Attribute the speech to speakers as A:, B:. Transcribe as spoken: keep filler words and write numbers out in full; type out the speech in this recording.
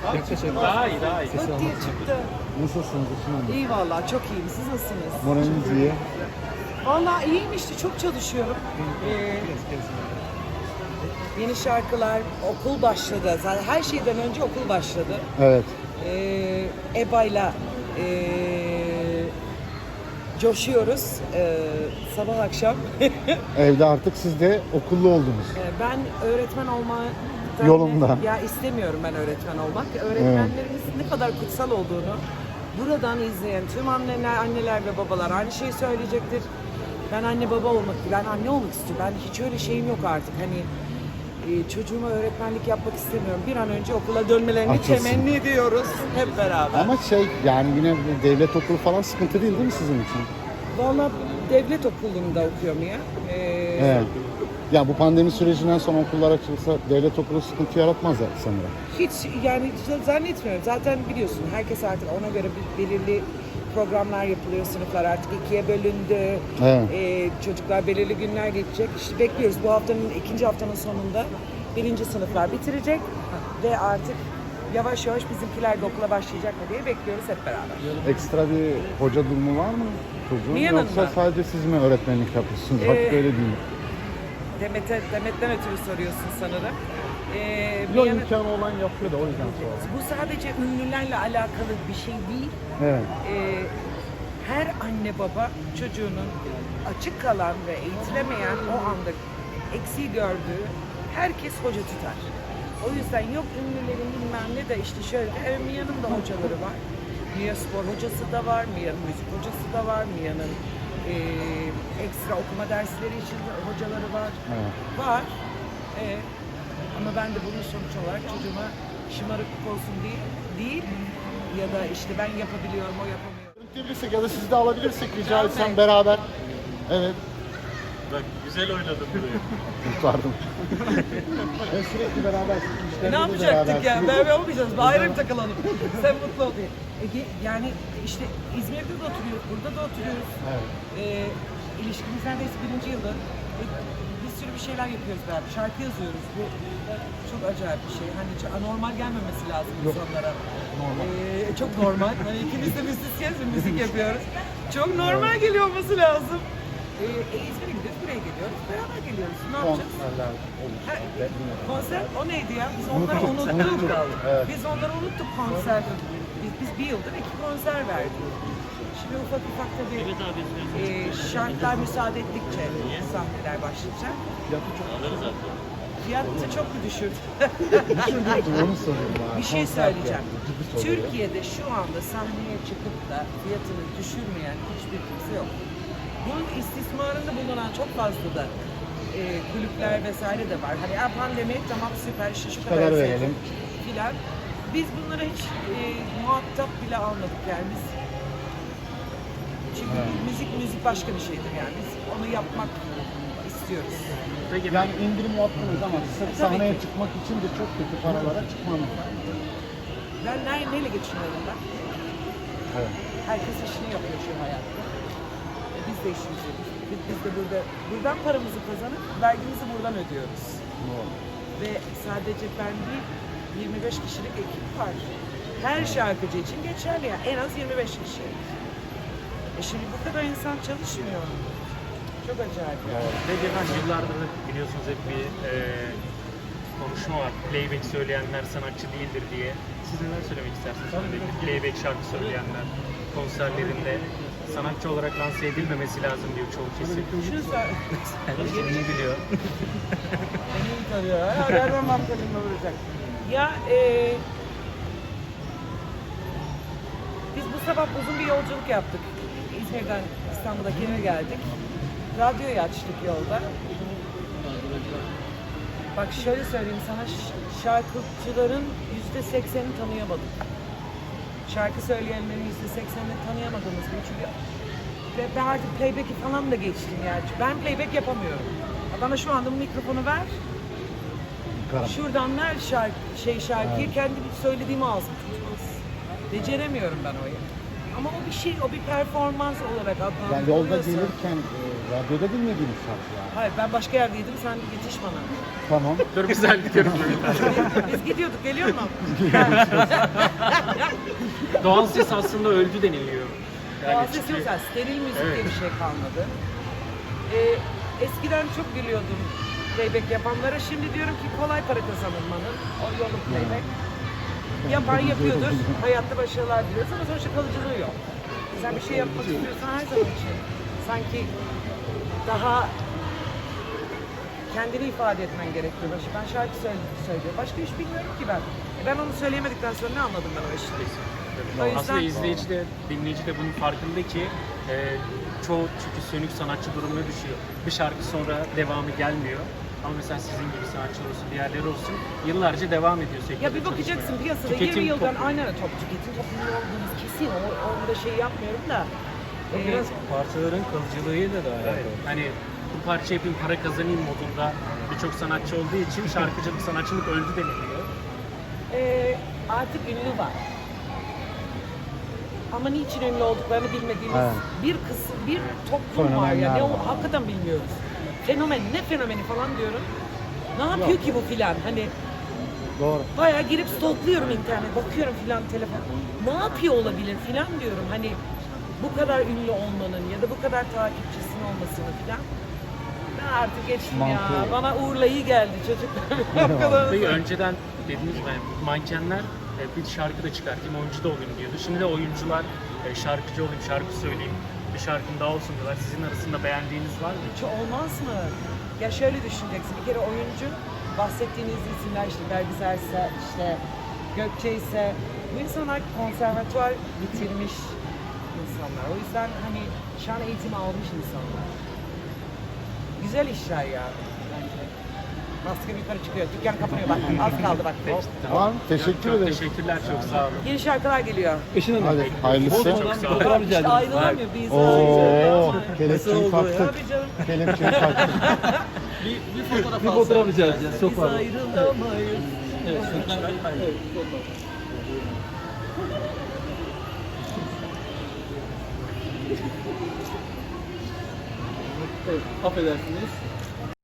A: Daha iyi, daha iyi.
B: Hıt diye çıktı.
C: Nasılsınız Işın Hanım?
B: İyi vallahi, çok iyiyim. Siz nasılsınız?
C: Moraliniz iyi.
B: Vallahi iyiyim işte, çok çalışıyorum. Ee, yeni şarkılar, okul başladı. Zaten her şeyden önce okul başladı.
C: Evet.
B: Ee, EBA'yla ee, coşuyoruz ee, sabah akşam.
C: Evde artık siz de okullu oldunuz.
B: Ee, ben öğretmen olma
C: Yolunda.
B: Ya istemiyorum ben öğretmen olmak. Öğretmenlerimizin ne kadar kutsal olduğunu buradan izleyen tüm anneler, anneler ve babalar aynı şeyi söyleyecektir. Ben anne baba olmak, ben anne olmak istiyorum. Ben hiç öyle şeyim yok artık. Hani e, çocuğuma öğretmenlik yapmak istemiyorum. Bir an önce okula dönmelerini
C: Açılsın.
B: temenni ediyoruz hep beraber.
C: Ama şey yani yine devlet okulu falan sıkıntı değil değil mi sizin için?
B: Vallahi devlet okulunda okuyorum ya. Ee,
C: Evet. Ya bu pandemi sürecinden sonra okullar açılsa devlet okulu sıkıntı yaratmaz ya sanırım.
B: Hiç yani zannetmiyorum. Zaten biliyorsun herkes artık ona göre bir belirli programlar yapılıyor. Sınıflar artık ikiye bölündü.
C: Evet.
B: Ee, çocuklar belirli günler geçecek. İşte bekliyoruz. Bu haftanın ikinci haftanın sonunda birinci sınıflar bitirecek ve artık yavaş yavaş bizimkiler de okula başlayacak mı diye bekliyoruz hep beraber.
C: Ekstra bir hoca durumu var mı çocuğun?
B: Niye
C: Yoksa
B: yanında?
C: sadece siz mi öğretmenlik yapıyorsunuz? Bak
B: Ee,
C: böyle değil.
B: Demet'e, Demet'ten ötürü soruyorsun sanırım. Ee, bir
A: Yok,
B: yana-
A: imkanı olan yapıyor da o yüzden sordum.
B: bu sadece ünlülerle alakalı bir şey değil.
C: Evet.
B: Ee, her anne baba çocuğunun açık kalan ve eğitilemeyen o anda eksiği gördüğü herkes hoca tutar. O yüzden yok ünlülerin bilmem ne de işte şöyle, evet Mia'nın da hocaları var. Mia spor hocası da var, Mia'nın müzik hocası da var, Mia'nın e, ekstra okuma dersleri için de hocaları var.
C: Evet.
B: Var. E, ama ben de bunun sonuç olarak çocuğuma şımarıklık olsun değil, değil ya da işte ben yapabiliyorum, o yapamıyor.
C: Görüntülebilirsek ya da sizi de alabilirsek rica
B: Tabii.
C: etsem beraber. Evet.
A: Bak güzel oynadın burayı.
C: Kurtardım. Ben sürekli beraber.
B: E, ne yapacaktık ya? Beraber olmayacağız. Bir ayrı bir takılalım. Sen mutlu ol diye. E, ge- yani işte İzmir'de de oturuyoruz, burada da oturuyoruz.
C: Evet.
B: E, ilişkimiz neredeyse birinci yılda. E, bir sürü bir şeyler yapıyoruz beraber. Şarkı yazıyoruz. Bu çok acayip bir şey. Hani hiç anormal gelmemesi lazım insanlara.
C: Normal.
B: E, çok normal. Hani ikimiz de müzisyeniz ve müzik yapıyoruz. Çok normal geliyor olması lazım. E, e, İzmir'e gidiyoruz, buraya geliyoruz. Beraber geliyoruz. Ne yapacağız?
C: Konserler olur.
B: Ha, konser o neydi ya? Biz onları unuttuk.
C: Evet.
B: Biz onları unuttuk konser. Biz, biz bir yıldır iki konser verdik. Şimdi ufak ufak tabii e, şartlar müsaade ettikçe sahneler başlayacak. Fiyatı çok mu düşürdü?
C: Onu soruyorum abi.
B: Bir şey
C: Konser
B: söyleyeceğim.
C: fiyatı, ciddi soruyorum.
B: Türkiye'de şu anda sahneye çıkıp da fiyatını düşürmeyen hiçbir kimse yok. Bunun istismarında bulunan çok fazla da e, kulüpler vesaire de var. Hani "Aa, pandemi tamam süper işte şu kadar
C: kadar
B: sevdim"
C: verelim.
B: filan. Biz bunlara hiç e, muhatap bile almadık yani biz. Çünkü
C: Evet.
B: müzik müzik başka bir şeydir yani. Biz onu yapmak istiyoruz.
A: Peki
C: Yani indirim yaptınız ama sırf
B: Tabii
C: sahneye
B: ki.
C: çıkmak için de çok kötü paralara çıkmam.
B: Ben ne, neyle geçiniyorum ben?
C: Evet.
B: Herkes işini yapıyor şu hayatta. E, Biz de işimizi yapıyoruz. Biz, biz de burada buradan paramızı kazanıp vergimizi buradan ödüyoruz.
C: Doğru.
B: Ve sadece ben değil, yirmi beş kişilik ekip var. Her şarkıcı için geçerli ya. En az yirmi beş kişi. E şimdi bu kadar insan çalışmıyor. Çok acayip.
A: Peki efendim yıllardır da biliyorsunuz hep bir e, konuşma var. Playback söyleyenler sanatçı değildir diye. Siz neler söylemek istersiniz? Özellikle playback şarkı söyleyenler konserlerinde sanatçı olarak lanse edilmemesi lazım diyor çoğu kesim.
B: Şunu söyle.
A: İyi biliyor.
B: Beni iyi tanıyor. Ha, her zaman kalemle vuracak. Ya e, biz bu sabah uzun bir yolculuk yaptık. İzmir'den İstanbul'daki eve geldik. Radyoyu açtık yolda. Bak şöyle söyleyeyim sana, ş- şarkıcıların yüzde seksenini tanıyamadık. Şarkı söyleyenlerin yüzde seksenini tanıyamadığımız gibi. Çünkü ve ben artık playback'i falan da geçtim yani. Ben playback yapamıyorum. Bana şu anda bu mikrofonu ver.
C: Karam.
B: Şuradan ver şarkı, şey şarkıyı kendi söylediğimi ağzım tutmaz. Beceremiyorum ben o Ama o bir şey, o bir performans olarak adlandırılıyorsa.
C: Yani yolda gelirken e, radyoda dinlediğiniz şarkılar.
B: Hayır, ben başka yerdeydim, sen yetiş bana.
C: Tamam.
A: Dur güzel gidiyoruz.
B: Biz gidiyorduk, geliyor mu?
A: Doğal ses aslında öldü deniliyor.
B: Doğal ses
A: çünkü-
B: yok zaten, steril müzik diye
A: Evet.
B: bir şey kalmadı. Ee, eskiden çok gülüyordum playback yapanlara, şimdi diyorum ki kolay para kazanılmanın, o yolu playback. Yapan yapıyordur, hayatta başarılar diliyoruz ama sonuçta kalıcılığı yok. Sen bir şey yapmak istiyorsan her zaman için sanki daha kendini ifade etmen gerekiyor. Başı- Ben şarkı söyle- söylüyorum. Başka iş bilmiyorum ki ben. E ben onu söyleyemedikten sonra ne anladım ben o işi? O yüzden-
A: Aslında izleyici de, dinleyici de bunun farkında ki e, çoğu çünkü sönük sanatçı durumuna düşüyor. Bir şarkı sonra devamı gelmiyor. Ama mesela sizin gibi sanatçılar olsun, diğerleri olsun yıllarca devam ediyor sektörde
B: Ya bir bakacaksın
A: çalışmaya.
B: piyasada
A: Tüketim
B: yirmi yıldan
A: toplumu.
B: aynen top tüketim toplumu olduğumuz kesin. O, onda şey yapmıyorum da.
D: O
B: e,
D: biraz parçaların kalıcılığıyla da alakalı.
A: Hani bu parça yapayım para kazanayım modunda birçok sanatçı olduğu için şarkıcılık, sanatçılık öldü deniliyor.
B: e, artık ünlü var. Ama niçin ünlü olduklarını bilmediğimiz
C: Evet.
B: bir kısım, bir toplum var ya.
C: Fenomenler
B: Ne o
C: var.
B: hakikaten bilmiyoruz. Fenomen, ne fenomeni falan diyorum. Ne yapıyor ki bu filan? Hani
C: Doğru.
B: bayağı girip stalkluyorum internet, bakıyorum filan telefon. Ne yapıyor olabilir filan diyorum. Hani bu kadar ünlü olmanın ya da bu kadar takipçisinin olmasını filan. Ben artık geçtim ya.
C: Mantığı.
B: Bana Uğur'la iyi geldi çocuklar. O kadar.
A: Peki önceden dediğiniz gibi yani mankenler e, bir şarkı da çıkartayım, oyuncu da olayım diyordu. Şimdi de oyuncular e, şarkıcı olayım, şarkı söyleyeyim, bir şarkım daha olsun diyorlar. Sizin arasında beğendiğiniz var mı?
B: Hiç olmaz mı? Ya şöyle düşüneceksin. Bir kere oyuncu, bahsettiğiniz isimler işte Bergüzer ise, işte Gökçe ise bu insanlar konservatuvar bitirmiş insanlar. O yüzden hani şan eğitimi almış insanlar. Güzel işler ya bence. Maske yukarı çıkıyor. Dükkan kapanıyor bak. Az kaldı bak.
C: Tamam. Teşekkür
A: Çok
C: ederim.
A: teşekkürler, çok sağ olun.
B: Yeni şarkılar geliyor.
D: Işın Hanım.
C: Hadi hayırlısı.
D: Bodrum'dan bir fotoğraf rica
B: İşte
D: ederiz.
B: ayrılamıyor biz.
C: Oo,
D: Nasıl
C: kelepçeyi
D: oldu ya?
C: taktık.
B: Tabii canım.
C: Kelepçeyi taktık.
D: Bir, bir fotoğraf Bir fotoğraf rica edeceğiz. Çok
B: Biz
D: pardon.
B: ayrılamayız.
D: Evet, Sultan Bey. Evet, fotoğraf. Evet, affedersiniz.